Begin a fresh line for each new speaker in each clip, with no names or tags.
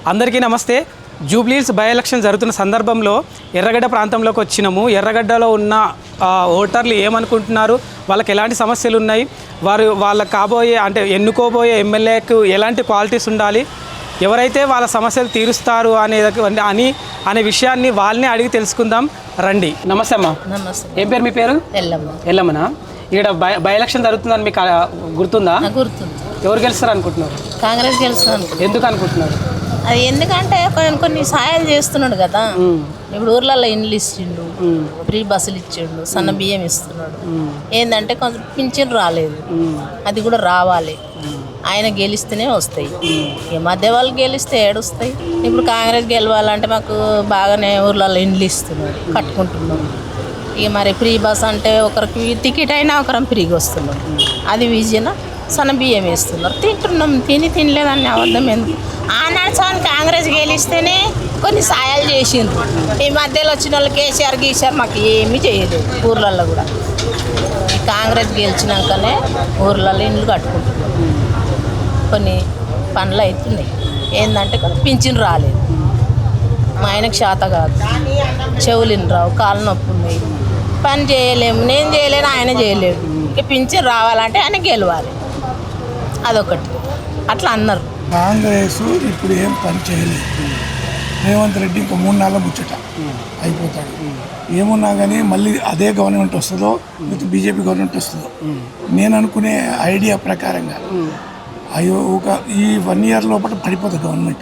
అందరికీ నమస్తే. Jubilee Hills by election జరుగుతున్న సందర్భంలో ఎర్రగడ్డ ప్రాంతంలోకి వచ్చినాము. ఎర్రగడ్డలో ఉన్న ఓటర్లు ఏమనుకుంటున్నారు, వాళ్ళకి ఎలాంటి సమస్యలు ఉన్నాయి, వాళ్ళకి కాబోయే అంటే ఎన్నుకోబోయే ఎమ్మెల్యేకు ఎలాంటి క్వాలిటీస్ ఉండాలి, ఎవరైతే వాళ్ళ సమస్యలు తీరుస్తారు అనే విషయాన్ని వాళ్ళని అడిగి తెలుసుకుందాం రండి. నమస్తే అమ్మా.
నమస్తే.
ఏం పేరు మీ పేరు? ఎల్లమ్మనా. ఇక్కడ బై ఎలక్షన్ జరుగుతుందని మీకు గుర్తుందా?
గుర్తుంది.
ఎవరు గెలుస్తారు అనుకుంటున్నారు?
కాంగ్రెస్ గెలుస్తాను.
ఎందుకు అనుకుంటున్నారు?
అది ఎందుకంటే కొన్ని సాయాలు చేస్తున్నాడు కదా. ఇప్పుడు ఊర్లలో ఇండ్లు ఇచ్చిండు, ఫ్రీ బస్సులు ఇచ్చిండు, సన్న బియ్యం ఇస్తున్నాడు. ఏంటంటే కొంచెం పింఛన్ రాలేదు, అది కూడా రావాలి. ఆయన గెలిస్తేనే వస్తాయి. ఈ మధ్య వాళ్ళు గెలిస్తే ఏడుస్తాయి. ఇప్పుడు కాంగ్రెస్ గెలవాలంటే మాకు బాగానే ఊర్లలో ఇండ్లు ఇస్తున్నాడు, కట్టుకుంటున్నాం. ఇక మరి ఫ్రీ బస్ అంటే ఒకరికి టికెట్ అయినా ఒకరం ఫ్రీగా వస్తున్నాం. అది విజయన సన్న బియ్యం వేస్తున్నారు, తింటున్నాం. తినలేదని అబద్ధం ఎందుకు? ఆనాడు సార్ కాంగ్రెస్ గెలిస్తేనే కొన్ని సాయాలు చేసిండ్రు. ఈ మధ్యలో వచ్చిన వాళ్ళు కేసీఆర్ గీసారు, మాకు ఏమీ చేయలేదు. ఊర్లలో కూడా కాంగ్రెస్ గెలిచినాకనే ఊర్లలో ఇండ్లు కట్టుకుంటున్నాం. కొన్ని పనులు అవుతున్నాయి. ఏంటంటే కొన్ని పింఛన్ రాలేదు. మా ఆయనకు శాత కాదు, చెవులు రావు, కాళ్ళు నొప్పి ఉన్నాయి, పని చేయలేము. నేను చేయలేను, ఆయన చేయలేడు. ఇక పింఛన్ రావాలంటే ఆయన గెలవాలి, అదొకటి. అట్లా అన్నారు.
కాంగ్రెస్ ఇప్పుడు ఏం పని చేయలేదు. రేవంత్ రెడ్డి ఇంకా 3 నెలల ముచ్చట అయిపోతాడు. ఏమున్నా కానీ మళ్ళీ అదే గవర్నమెంట్ వస్తుందో లేకపోతే బీజేపీ గవర్నమెంట్ వస్తుందో నేను అనుకునే ఐడియా ప్రకారంగా ఈ 1 ఇయర్ లోపల పడిపోతుంది గవర్నమెంట్.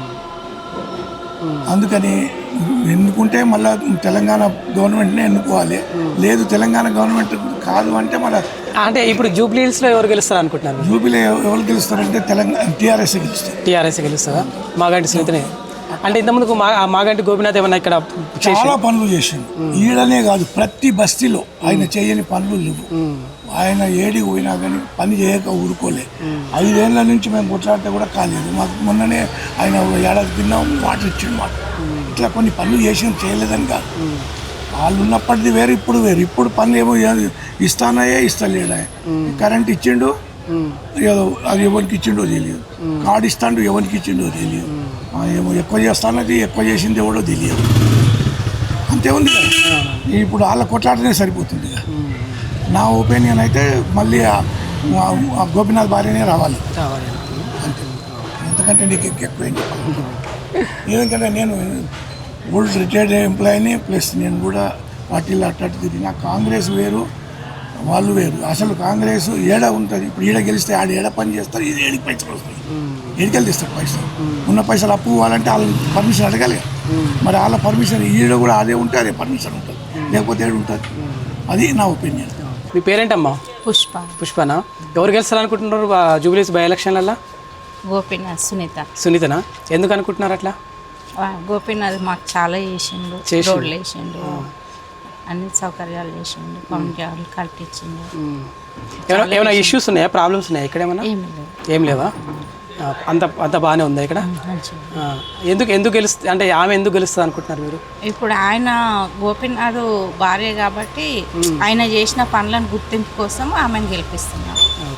అందుకని ఎన్నుకుంటే మళ్ళీ తెలంగాణ గవర్నమెంట్నే ఎన్నుకోవాలి. లేదు తెలంగాణ గవర్నమెంట్ కాదు అంటే మళ్ళీ
అంటే ఇప్పుడు జూబ్లీహిల్స్లో ఎవరు గెలుస్తారు అనుకుంటున్నారు?
జూబ్లీ ఎవరు గెలుస్తారంటే తెలంగాణ టీఆర్ఎస్ గెలుస్తారు.
టీఆర్ఎస్ గెలుస్తుందా? మాగంటి సునీతనే. అంటే ఇంతకుముందుకు మాగంటి గోపీనాథ్ ఏమన్నా ఇక్కడ
చాలా పనులు చేసిండు. ఈడనే కాదు, ప్రతి బస్తీలో ఆయన చేయని పనులు లేవు. ఆయన ఏడికి పోయినా కానీ పని చేయక ఊరుకోలే. 5 ఏళ్ళ నుంచి మేము కొట్లాడితే కూడా కాలేదు. మాకు మొన్ననే ఆయన ఏడాది తిన్నాం, వాటర్ ఇచ్చిండు మాకు. ఇట్లా కొన్ని పనులు చేసి చేయలేదని కాదు. వాళ్ళు ఉన్నప్పటిది వేరు, ఇప్పుడు వేరు. ఇప్పుడు పనులు ఏమో ఇస్తానాయే ఇస్తలేడా. కరెంట్ ఇచ్చిండు, ఏదో అది ఎవరికి ఇచ్చిండో తెలియదు. కార్డు ఇస్తాడు, ఎవరికి ఇచ్చిండో తెలియదు. ఏమో ఎక్కువ చేస్తానది, ఎక్కువ చేసింది ఎవడో తెలియదు. అంతే ఉంది కదా. ఇప్పుడు వాళ్ళ కొట్లాటనే సరిపోతుంది కదా. నా ఒపీనియన్ అయితే మళ్ళీ గోపీనాథ్ భార్యనే రావాలి అంతే. ఎందుకంటే నీకు ఎక్కువేం చెప్పాలి. ఎందుకంటే నేను ఓల్డ్ రిటైర్డ్ ఎంప్లాయీని, ప్లస్ నేను కూడా పార్టీలో అట్టట్టు తిరిగిన. కాంగ్రెస్ వేరు, వాళ్ళు వేరు. అసలు కాంగ్రెస్ ఏడ ఉంటుంది. ఇప్పుడు ఈడ గెలిస్తే ఆడ ఏడ పని చేస్తారు, ఇది ఏడికి పైసలు వస్తాయి. ఏడికెళ్ళి తీస్తారు పైసలు. ఉన్న పైసలు అప్పు ఇవ్వాలంటే వాళ్ళ పర్మిషన్ అడగాలి. మరి వాళ్ళ పర్మిషన్ ఈడ కూడా అదే ఉంటే అదే పర్మిషన్ ఉంటుంది, లేకపోతే ఏడు ఉంటుంది. అది నా ఒపీనియన్.
మీ పేరేంటమ్మా? పుష్పనా. ఎవరు గెలుస్తారు అనుకుంటున్నారు జూబ్లీహిల్స్ బై ఎలక్షన్లలో?
గోపీనాథ్.
సునీతనా. ఎందుకు అనుకుంటున్నారు అట్లా?
గోపీనాథ్ మాకు చాలా చేసిండు, రోడ్లు వేసిండు, అన్ని సౌకర్యాలు చేసిండు, పంచాలు కట్టించిండు.
ఏమైనా ఇష్యూస్ ఉన్నాయా, ప్రాబ్లమ్స్ ఉన్నాయా ఇక్కడ? ఏమైనా ఏం లేవా? అంత బాగానే ఉందా ఇక్కడ? ఎందుకు గెలుస్తుంది అంటే ఆమె ఎందుకు గెలుస్తుంది అనుకుంటున్నారు మీరు?
ఇప్పుడు ఆయన గోపీనాథ్ భార్య కాబట్టి ఆయన చేసిన పనులను గుర్తింపు కోసం ఆమెను గెలిపిస్తున్నారు.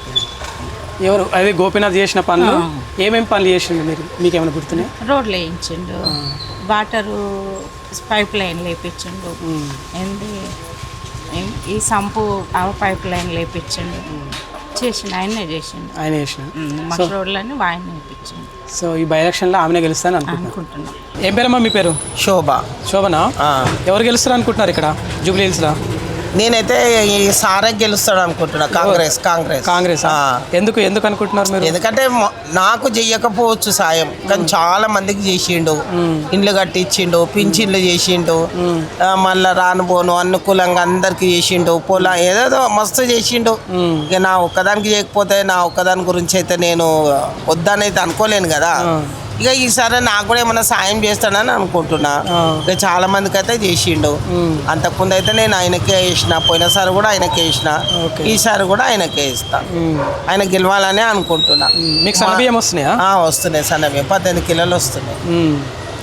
ఎవరు అదే గోపీనాథ్ చేసిన పనులు? ఏమేమి పనులు చేసిండు మీకేమైనా గుర్తున్నాయి?
రోడ్లు వేయించిండు, వాటరు పైప్ లైన్ లేపించిండు, ఏంది ఈ సంపు పైప్ లైన్ లేపించిండు, చేసిండు. ఆయనే చేసిన రోడ్లని ఆయన వేయించిండు.
సో ఈ బై ఎలక్షన్లో ఆమెనే గెలుస్తాను అనుకుంటున్నాను. ఏం పేరమ్మా మీ పేరు? శోభనా. ఎవరు గెలుస్తారు అనుకుంటున్నారు ఇక్కడ జూబ్లీహిల్స్లో?
నేనైతే ఈ సారే గెలుస్తాడు అనుకుంటున్నా. కాంగ్రెస్.
ఎందుకు అనుకుంటున్నారు మీరు?
ఎందుకంటే నాకు చెయ్యకపోవచ్చు సాయం, కానీ చాలా మందికి చేసిండు. ఇండ్లు కట్టించిండు, పింఛన్లు చేసిండు, మళ్ళీ రానుపోను అనుకూలంగా అందరికి చేసిండు. పొలం ఏదేదో మస్తు చేసిండు. ఇక నా ఒక్కదానికి చేయకపోతే నా ఒక్కదాని గురించి అయితే నేను వద్దనైతే అనుకోలేను కదా. ఇక ఈసారి నాకు కూడా ఏమైనా సాయం చేస్తానని అనుకుంటున్నా. ఇక చాలా మందికి అయితే చేసిండు. అంతకుముందు అయితే నేను ఆయనకే వేసిన, పోయినసారి కూడా ఆయనకే వేసిన, ఈసారి కూడా ఆయనకే ఇస్తా. ఆయన గెలవాలని అనుకుంటున్నా.
మీకు సన్నబియ్యం వస్తున్నాయా?
వస్తున్నాయి. సన్నబియ్యం 18 కిలోలు వస్తున్నాయి.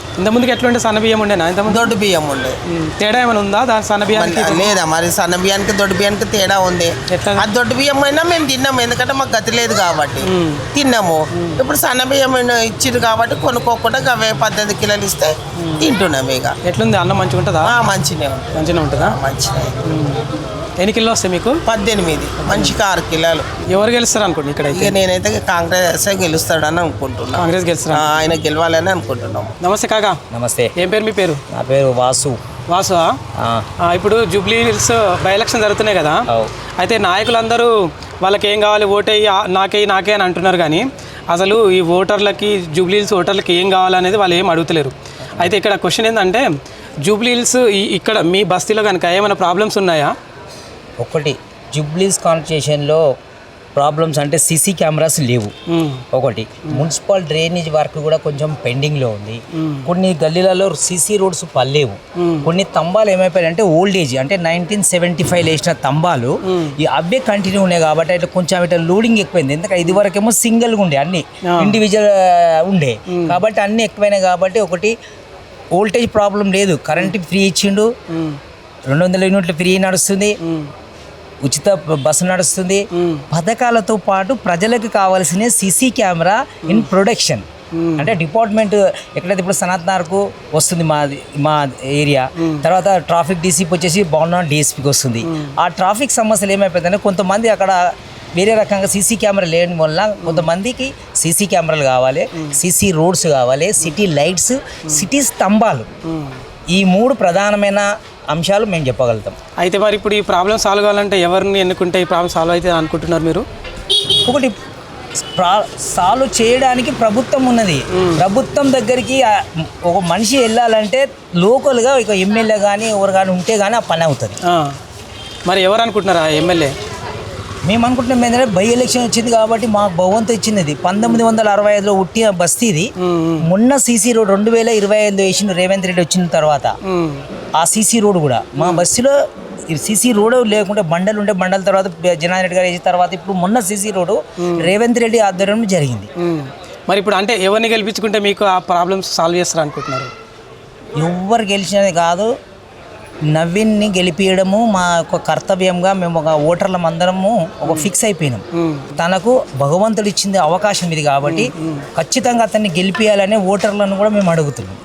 ఇంతకుముందుకు ఎట్లుంటే సన్న బియ్యం ఉండేనా ఇంతకుముందు?
దొడ్డు బియ్యం ఉండే.
తేడా ఏమైనా ఉందా దాని సన్న బియ్యానికి?
లేదా మరి సన్న బియ్యానికి దొడ్డు బియ్యానికి తేడా ఉంది.
ఎట్లా?
ఆ దొడ్డు బియ్యం అయినా మేము తిన్నాము, ఎందుకంటే మాకు గతి లేదు కాబట్టి తిన్నాము. ఇప్పుడు సన్న బియ్యం ఇచ్చింది కాబట్టి కొనుక్కోకుండా అవే 18 కిలోలు ఇస్తే తింటున్నాము. ఇక
ఎట్లుంది అన్నం మంచిగా ఉంటుందా?
మంచిగా ఉంటుంది.
మంచిగా ఉంటుందా?
మంచిగా.
ఎన్ని కిలోలు వస్తాయి మీకు?
18, మనిషికి 6 కిలోలు.
ఎవరు గెలుస్తారు అనుకోండి ఇక్కడ?
ఇక నేనైతే కాంగ్రెస్ గెలుస్తాడని అనుకుంటున్నాను.
కాంగ్రెస్ గెలుస్తారా?
ఆయన గెలవాలని అనుకుంటున్నాం.
నమస్తే కాకా.
నమస్తే.
ఏం పేరు మీ పేరు?
నా పేరు వాసు.
వాసు. ఇప్పుడు జూబ్లీ హిల్స్ బై ఎలక్షన్ జరుగుతున్నాయి కదా, అయితే నాయకులందరూ వాళ్ళకి ఏం కావాలి ఓటేయి నాకే అని అంటున్నారు, కానీ అసలు ఈ ఓటర్లకి జూబ్లీ హిల్స్ ఓటర్లకి ఏం కావాలనేది వాళ్ళు ఏం అడుగుతలేరు. అయితే ఇక్కడ క్వశ్చన్ ఏంటంటే జూబ్లీ హిల్స్ ఇక్కడ మీ బస్తీలో కనుక ఏమైనా ప్రాబ్లమ్స్ ఉన్నాయా?
ఒకటి, జూబ్లీస్ కాన్స్టిట్యూషన్లో ప్రాబ్లమ్స్ అంటే సీసీ కెమెరాస్ లేవు. ఒకటి, మున్సిపల్ డ్రైనేజ్ వర్క్ కూడా కొంచెం పెండింగ్లో ఉంది. కొన్ని గల్లీలలో సీసీ రోడ్స్ పల్లేవు. కొన్ని తంబాలు ఏమైపోయాయంటే ఓల్డ్ ఏజ్, అంటే 1975 వేసిన తంబాలు ఈ అబ్బే కంటిన్యూ ఉన్నాయి కాబట్టి అట్లా కొంచెం ఇట్లా లోడింగ్ ఎక్కువైంది. ఎందుకంటే ఇది వరకేమో సింగిల్గా ఉండే, అన్ని ఇండివిజువల్ ఉండే కాబట్టి అన్నీ ఎక్కువైనాయి. కాబట్టి ఒకటి ఓల్టేజ్ ప్రాబ్లం లేదు, కరెంట్ ఫ్రీ ఇచ్చిండు, 200 యూనిట్లు ఫ్రీ నడుస్తుంది, ఉచిత బస్సు నడుస్తుంది. పథకాలతో పాటు ప్రజలకు కావాల్సిన సీసీ కెమెరా ఇన్ ప్రొడక్షన్. అంటే డిపార్ట్మెంట్ ఎక్కడైతే ఇప్పుడు సనత్నార్కు వస్తుంది మా ఏరియా, తర్వాత ట్రాఫిక్ డీసీపీ వచ్చేసి బాగున్నా డిఎస్పీకి వస్తుంది. ఆ ట్రాఫిక్ సమస్యలు ఏమైపోతుందంటే కొంతమంది అక్కడ వేరే రకంగా సీసీ కెమెరా లేని వల్ల కొంతమందికి సీసీ కెమెరాలు కావాలి, సీసీ రోడ్స్ కావాలి, సిటీ లైట్స్, సిటీ స్తంభాలు. ఈ 3 ప్రధానమైన అంశాలు మేము చెప్పగలుగుతాం.
అయితే మరి ఇప్పుడు ఈ ప్రాబ్లం సాల్వ్ కావాలంటే ఎవరిని ఎన్నుకుంటే ఈ ప్రాబ్లం సాల్వ్ అయితే అనుకుంటున్నారు మీరు?
ఒకటి, సాల్వ్ చేయడానికి ప్రభుత్వం ఉన్నది. ప్రభుత్వం దగ్గరికి ఒక మనిషి వెళ్ళాలంటే లోకల్గా ఇక ఎమ్మెల్యే కానీ ఎవరు కానీ ఉంటే కానీ ఆ పని అవుతుంది.
మరి ఎవరు అనుకుంటున్నారా ఎమ్మెల్యే?
మేము అనుకుంటున్నాం ఏంటంటే బై ఎలక్షన్ వచ్చింది కాబట్టి మాకు బహువంతు ఇచ్చినది. 1965లో ఉట్టిన బస్తీది. మొన్న సీసీ రోడ్ 2025 వేసిన రేవంత్ రెడ్డి వచ్చిన తర్వాత ఆ సీసీ రోడ్ కూడా మా బస్తీలో సీసీ రోడ్ లేకుంటే బండలు ఉండే, బండల తర్వాత జనార్దన్ రెడ్డి గారు వేసిన తర్వాత ఇప్పుడు మొన్న సీసీ రోడ్ రేవంత్ రెడ్డి ఆధ్వర్యంలో జరిగింది.
మరి ఇప్పుడు అంటే ఎవరిని గెలిపించుకుంటే మీకు ఆ ప్రాబ్లమ్స్ సాల్వ్ చేస్తారు అనుకుంటున్నారు?
ఎవరు గెలిచినది కాదు, నవీన్ని గెలిపించడము మా యొక్క కర్తవ్యంగా మేము ఒక ఓటర్లం అందరము ఒక ఫిక్స్ అయిపోయినాం. తనకు భగవంతుడు ఇచ్చింది అవకాశం ఇది కాబట్టి ఖచ్చితంగా అతన్ని గెలిపించాలనే ఓటర్లను కూడా మేము అడుగుతున్నాం.